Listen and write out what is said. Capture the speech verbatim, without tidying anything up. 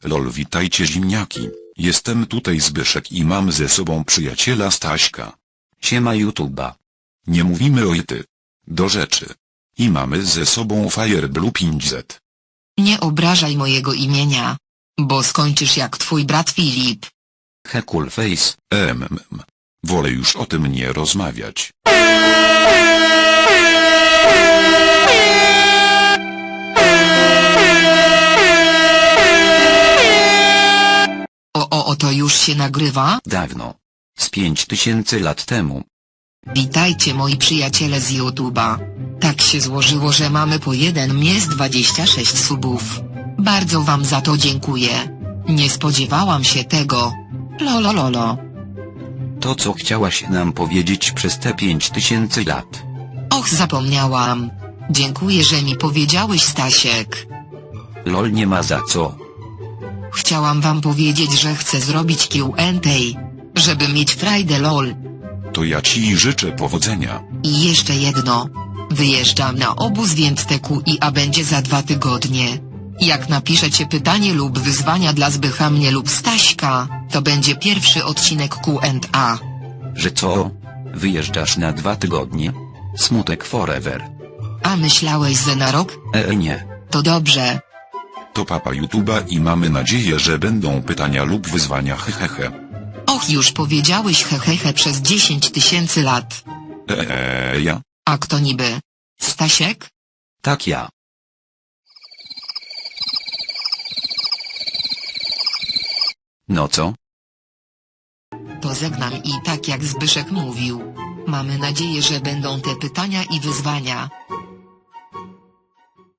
Lol, witajcie ziemniaki, jestem tutaj Zbyszek i mam ze sobą przyjaciela Staśka. Siema YouTube'a. Nie mówimy o ty. Do rzeczy. I mamy ze sobą Fireblue pięć zet. Nie obrażaj mojego imienia, bo skończysz jak twój brat Filip. He cool face. Mm. Wolę już o tym nie rozmawiać. O o o to już się nagrywa? Dawno. Z pięć tysięcy lat temu. Witajcie moi przyjaciele z YouTube'a. Tak się złożyło, że mamy po jeden mies dwadzieścia sześć subów. Bardzo wam za to dziękuję. Nie spodziewałam się tego. Lolololo. To co chciałaś nam powiedzieć przez te pięć tysięcy lat? Och, zapomniałam. Dziękuję, że mi powiedziałeś, Stasiek. Lol, nie ma za co. Chciałam wam powiedzieć, że chcę zrobić Q and A, żeby mieć frajdę lol. To ja ci życzę powodzenia. I jeszcze jedno. Wyjeżdżam na obóz, więc te Q i A będzie za dwa tygodnie. Jak napiszecie pytanie lub wyzwania dla Zbycha, mnie lub Staśka, to będzie pierwszy odcinek Q and A. Że co? Wyjeżdżasz na dwa tygodnie? Smutek forever. A myślałeś, że na rok? Eee nie. To dobrze. To papa YouTube'a i mamy nadzieję, że będą pytania lub wyzwania hehehe. Och, już powiedziałeś hehehe przez dziesięć tysięcy lat. Eee, ja? A kto niby? Stasiek? Tak ja. No co? To żegnam i tak jak Zbyszek mówił. Mamy nadzieję, że będą te pytania i wyzwania.